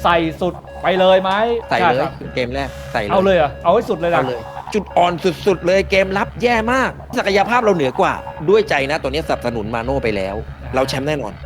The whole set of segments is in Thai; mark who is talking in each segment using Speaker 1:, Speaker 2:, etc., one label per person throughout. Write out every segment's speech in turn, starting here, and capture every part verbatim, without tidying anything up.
Speaker 1: ใส่สุดไปเลยไหม
Speaker 2: ใส่เลยเกมแรกใส่เลย
Speaker 1: เอาเลยอ่ะเอาให้สุดเลยนะ
Speaker 2: จุดอ่อนสุดๆเลยเกมรับแย่มากศักยภาพเราเหนือกว่าด้วยใจนะตัวนี้สนับสนุนมาโน่ไปแล้วเราแชมป์แน่นอน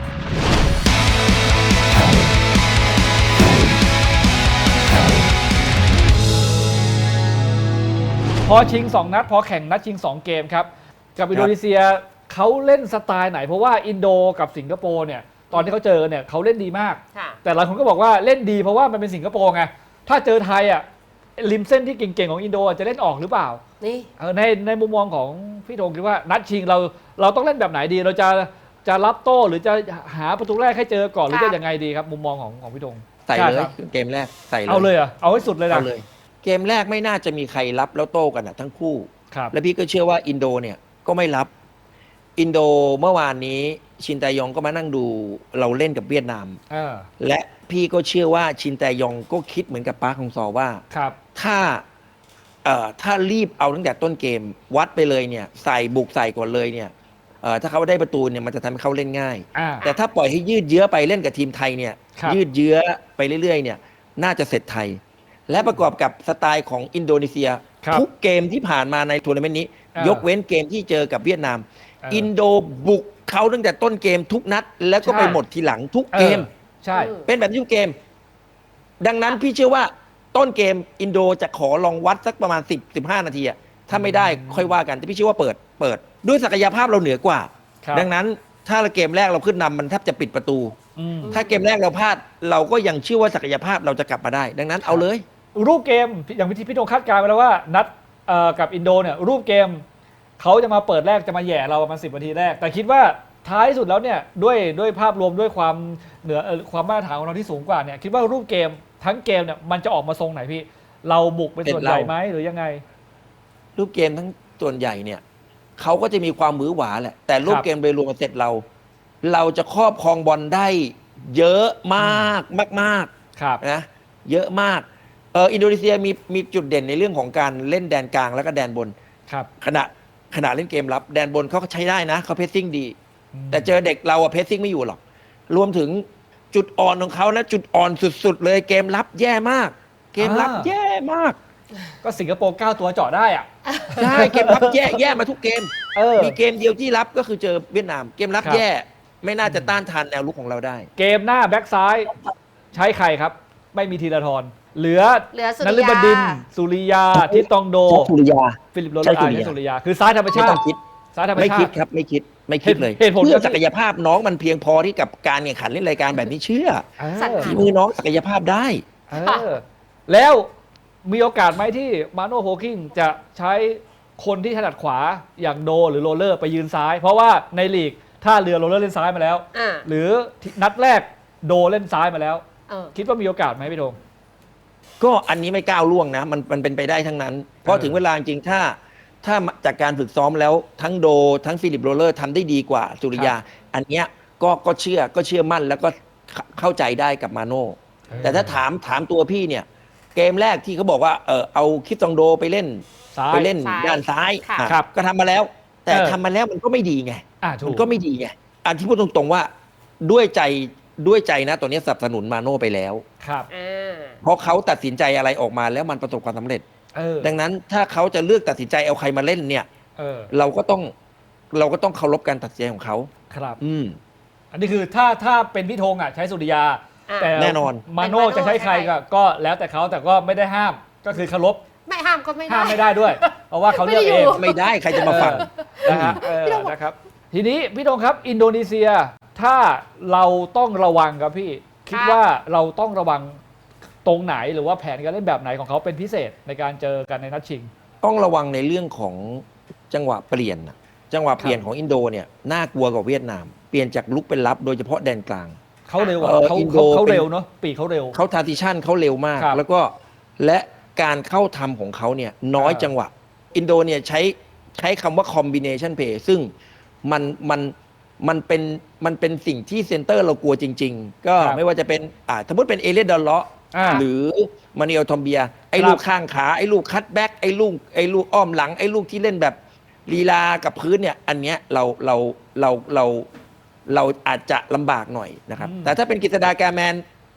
Speaker 1: พอชิงสองนัดพอแข่งนัดชิงสองเกมครับกับอินโดนีเซียเขาเล่นสไตล์ไหนเพราะว่าอินโดกับสิงคโปร์เนี่ยตอนที่เขาเจอเนี่ยเขาเล่นดีมากแต่หลายคนก็บอกว่าเล่นดีเพราะว่ามันเป็นสิงคโปร์ไงถ้าเจอไทยอ่ะริมเส้นที่เก่งๆของอินโดจะเล่นออกหรือเปล่านี่ในในมุมมองของพี่ธงคิดว่านัดชิงเราเราต้องเล่นแบบไหนดีเราจะจะรับโต้หรือจะหาประตูแรกให้เจอก่อนหรือจะยังไงดีครับมุมมองของของพี่ธง
Speaker 2: ใส่เลยเกมแรกใส่เลย
Speaker 1: เอาเลยอ่ะเอาให้สุดเลยนะ
Speaker 2: เอาเลยเกมแรกไม่น่าจะมีใครรับแล้วโต้กันนะทั้งคู่และพี่ก็เชื่อว่าอินโดเนี่ยก็ไม่รับอินโดเมื่อวานนี้ชินแตยองก็มานั่งดูเราเล่นกับเวียดนามและพี่ก็เชื่อว่าชินแตยองก็คิดเหมือนกับปาร์คฮงซอว่าถ้าเอ่อถ้ารีบเอาตั้งแต่ต้นเกมวัดไปเลยเนี่ยใส่บุกใส่ก่อนเลยเนี่ยเอ่อถ้าเขาได้ประตูเนี่ยมันจะทำให้เขาเล่นง่ายแต่ถ้าปล่อยให้ยืดเยื้อไปเล่นกับทีมไทยเนี่ยยืดเยื้อไปเรื่อยๆเนี่ยน่าจะเสร็จไทยและประกอบกับสไตล์ของอินโดนีเซียทุกเกมที่ผ่านมาในทัวร์นาเมนต์นี้ยกเว้นเกมที่เจอกับเวียดนามอินโดบุกเขาตั้งแต่ต้นเกมทุกนัดแล้วก็ไปหมดทีหลังทุกเกม
Speaker 1: ใช่
Speaker 2: เป็นแบบนี้ทุกเกมดังนั้นพี่เชื่อว่าต้นเกมอินโดจะขอลองวัดสักประมาณสิบ สิบห้านาทีอะถ้าไม่ได้ค่อยว่ากันแต่พี่เชื่อว่าเปิดเปิดด้วยศักยภาพเราเหนือกว่าดังนั้นถ้าเกมแรกเราขึ้นนำมันแทบจะปิดประตูถ้าเกมแรกเราพลาดเราก็ยังเชื่อว่าศักยภาพเราจะกลับมาได้ดังนั้นเอาเลย
Speaker 1: รูปเกมอย่างที่พี่ธงคาดการณ์ไปแล้วว่านัดกับอินโดเนี่ยรูปเกมเขาจะมาเปิดแรกจะมาแย่เราประมาณสิบนาทีแรกแต่คิดว่าท้ายสุดแล้วเนี่ยด้วยด้วยภาพรวมด้วยความเหนือความมาตรฐานของเราที่สูงกว่าเนี่ยคิดว่ารูปเกมทั้งเกมเนี่ยมันจะออกมาทรงไหนพี่เราบุกเป็นส่วนใหญ่ไหมหรือยังไง
Speaker 2: รูปเกมทั้งส่วนใหญ่เนี่ยเขาก็จะมีความมือหวาแหละแต่รูปเกมโดยรวมเสร็จเราเราจะครอบครองบอลได้เยอะมากมากๆนะเยอะมากเอออินโดนีเซียมีมีจุดเด่นในเรื่องของการเล่นแดนกลางแล้วก็แดนบนขณะขณะเล่นเกมรับแดนบนเขาก็ใช้ได้นะเขาเพสซิ่งดีแต่เจอเด็กเราอะเพสซิ่งไม่อยู่หรอกรวมถึงจุดอ่อนของเขานะจุดอ่อนสุดๆเลยเกมรับแย่มากเกมรับแย่มาก
Speaker 1: ก็สิงคโปร์เก้าตัวเจาะได้อะ
Speaker 2: ใช่เกมรับแย่แย่มาทุกเกมมีเกมเดียวที่รับก็คือเจอเวียดนามเกมรับแย่ไม่น่าจะต้านทานแนวลุกของเราได้
Speaker 1: เกมหน้าแบ็กซ้ายใช้ใครครับไม่มีธีรทรเหลือ
Speaker 3: เหลือสุ
Speaker 1: ริยา นฤบดินทร์สุริยาทิตตองโด
Speaker 2: สุริยา
Speaker 1: ฟิลิปโรเลอาร์สุริยาคือซ้ายธรรมชาติซ้ายธรรมชาติ
Speaker 2: ไม่คิดครับไม่คิดไม่คิดเลยเพื่อศักยภาพน้องมันเพียงพอที่กับการแข่งขันเล่นรายการแบบนี้เชื่อฝีมือน้องศักยภาพได้
Speaker 1: แล้วมีโอกาสไหมที่มาโน่โพคิงจะใช้คนที่ถนัดขวาอย่างโดหรือโรเลอร์ไปยืนซ้ายเพราะว่าในลีกถ้าเรือโรเลอร์เล่นซ้ายมาแล้วหรือนัดแรกโดเล่นซ้ายมาแล้วคิดว่ามีโอกาสไหมพี่ธง
Speaker 2: ก็อันนี้ไม่ก้าวล่วงนะมันมันเป็นไปได้ทั้งนั้นเพราะถึงเวลาจริงถ้าถ้าจากการฝึกซ้อมแล้วทั้งโดทั้งฟิลิปโรเลอร์ทำได้ดีกว่าสุริยาอันเนี้ยก็ก็เชื่อก็เชื่อมั่นแล้วก็เข้าใจได้กับมาโน่แต่ถ้าถามถามตัวพี่เนี่ยเกมแรกที่เขาบอกว่าเออเอาคิดซองโดไปเล่นไปเล่นด้านซ้ายก็ทำมาแล้วแต่ทำมาแล้วมันก็ไม่ดีไงมันก็ไม่ดีไงอันที่พูดตรงๆว่าด้วยใจด้วยใจนะตัวนี้สนับสนุนมาโน่ไปแล้ว
Speaker 1: ครับ
Speaker 2: เพราะเขาตัดสินใจอะไรออกมาแล้วมันประสบความสำเร็จดังนั้นถ้าเขาจะเลือกตัดสินใจเอาใครมาเล่นเนี่ยเราก็ต้องเราก็ต้องเคารพการตัดสินใจของเขา
Speaker 1: ครับ
Speaker 2: อืม
Speaker 1: อันนี้คือถ้าถ้าเป็นพี่ธงอ่ะใช้สุริยา
Speaker 2: แต่แน่นอน
Speaker 1: มาโน่จะใช้ใครก็ก็แล้วแต่เขาแต่ก็ไม่ได้ห้ามก็คือเคารพ
Speaker 3: ไม่ห้ามก็ไม่ได้
Speaker 1: ห้ามไม่ได้ด้วยเพราะว่าเขาเลือกเอง
Speaker 2: ไม่ได้ใครจะมาฟัง
Speaker 1: นะฮะนะครับทีนี้พี่ธงครับอินโดนีเซียถ้าเราต้องระวังครับพี่คิดว่าเราต้องระวังตรงไหนหรือว่าแผนการเล่นแบบไหนของเขาเป็นพิเศษในการเจอกันในนัดชิง
Speaker 2: ต้องระวังในเรื่องของจังหวะเปลี่ยนจังหวะเปลี่ยนของอินโดเนี่ยน่ากลัวกว่าเวียดนามเปลี่ยนจากลุกเป็นรับโดยเฉพาะแดนกลาง
Speaker 1: เขาเร็วเขาเขาเร็วเนาะปีเขาเร็ว
Speaker 2: เขาทาร์ติชันเขาเร็วมากแล้วก็และการเข้าทำของเขาเนี่ยน้อยจังหวะอินโดเนี่ยใช้ใช้คำว่าคอมบิเนชันเพย์ซึ่งมันมันมันเป็นมันเป็นสิ่งที่เซนเตอร์เรากลัวจริงๆก็ไม่ว่าจะเป็นอ่าสมมติเป็นเอเลียดอลเลาะหรือมานิเอลทอมเบียไอ้ลูกข้างขาไอ้ลูกคัตแบ็กไอ้ลูกไอ้ลูกอ้อมหลังไอ้ลูกที่เล่นแบบลีลากับพื้นเนี่ยอันเนี้ยเราเราเราเราเราอาจจะลำบากหน่อยนะครับแต่ถ้าเป็นกฤษฎาแกแมน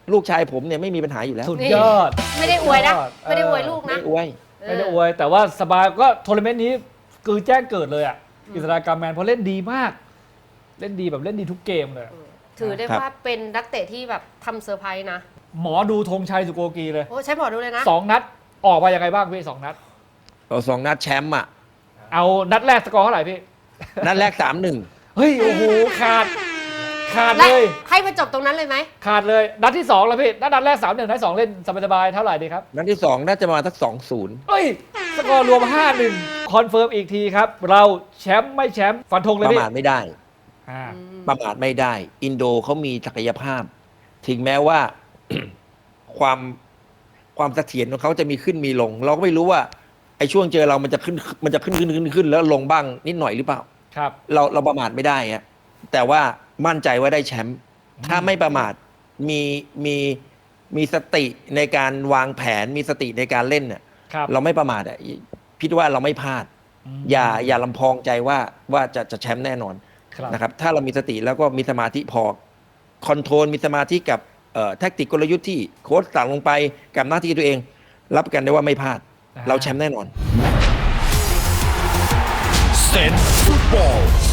Speaker 2: ลูกชายผมเนี่ยไม่มีปัญหาอยู่แล้ว
Speaker 1: สุดยอด
Speaker 3: ไม่ได้อวยนะ
Speaker 1: สุดยอด
Speaker 3: ไม่ได้อวยลูก
Speaker 2: ไม่
Speaker 3: นะ
Speaker 2: อวย
Speaker 1: ไม่ได้อวยแต่ว่าสบายก็ทัวร์นาเมนต์นี้คือแจ้งเกิดเลยอ่ะอิสรากรรมแมนเพราะเล่นดีมาก เล่นดีแบบเล่นดีทุกเกมเลย
Speaker 3: ถือได้
Speaker 2: ครับ
Speaker 3: ว่าเป็นนักเตะที่แบบทำเซอร์ไพรส์นะ
Speaker 1: หมอดูธงชัยสุโกกีเลย
Speaker 3: โอ้ใช้หมอดูเลยนะ
Speaker 1: สองนัดออกมายังไงบ้างพี่สองนัด
Speaker 2: เราสองนัดแชมป์อ่ะ
Speaker 1: เอานัดแรกสกอร์เท่าไหร่พี่
Speaker 2: นัดแรกสามหนึ่ง
Speaker 1: เฮ้ยโอ้โหขาดขาด
Speaker 3: และ
Speaker 1: เลย
Speaker 3: ให้มาจบตรงนั้นเลยไหม
Speaker 1: ขาดเลยนัดที่สองแล้วพี่นัดนัดแรกสามหนึ่งนัดสองเล่นสบายๆเท่าไหร่ดีครับ
Speaker 2: นัดที่สองน่าจะมาสักสองศูนย์
Speaker 1: เฮ้ยสกอร์รวม ห้าหนึ่ง คอนเฟิร์มอีกทีครับ เราแชมป์ไม่แชมป์ฟันธงเลย
Speaker 2: ประ
Speaker 1: พี่
Speaker 2: มาทไม่ได้
Speaker 1: อ่า
Speaker 2: ประมาทไม่ได้ อินโดเขามีศักยภาพ ถึงแม้ว่า ความความเสถียรของเขาจะมีขึ้นมีลง เราก็ไม่รู้ว่าไอ้ช่วงเจอเรามันจะขึ้นมันจะขึ้นขึ้นขึ้นขึ้นแล้วลงบ้างนิดหน่อยหรือเปล่า
Speaker 1: ครับ
Speaker 2: เราเราประมาทไม่ได้อะแต่ว่ามั่นใจว่าได้แชมป์ถ้าไม่ประมาทมีมีมีสติในการวางแผนมีสติในการเล่นเนี่ย
Speaker 1: ครับ
Speaker 2: เราไม่ประมาทอ่ะพิดว่าเราไม่พลาด
Speaker 1: ม
Speaker 2: อย่าอย่าลำพองใจว่าว่าจะจะแชมป์แน่นอน
Speaker 1: ครับ
Speaker 2: นะครับถ้าเรามีสติแล้วก็มีสมาธิพอคอนโทรลมีสมาธิกับเอ่อแทคติกกลยุทธ์ที่โค้ชสั่งลงไปกับหน้าที่ตัวเอง รับประกันได้ว่าไม่พลาด เราแชมป์แน่นอน
Speaker 4: Sense Football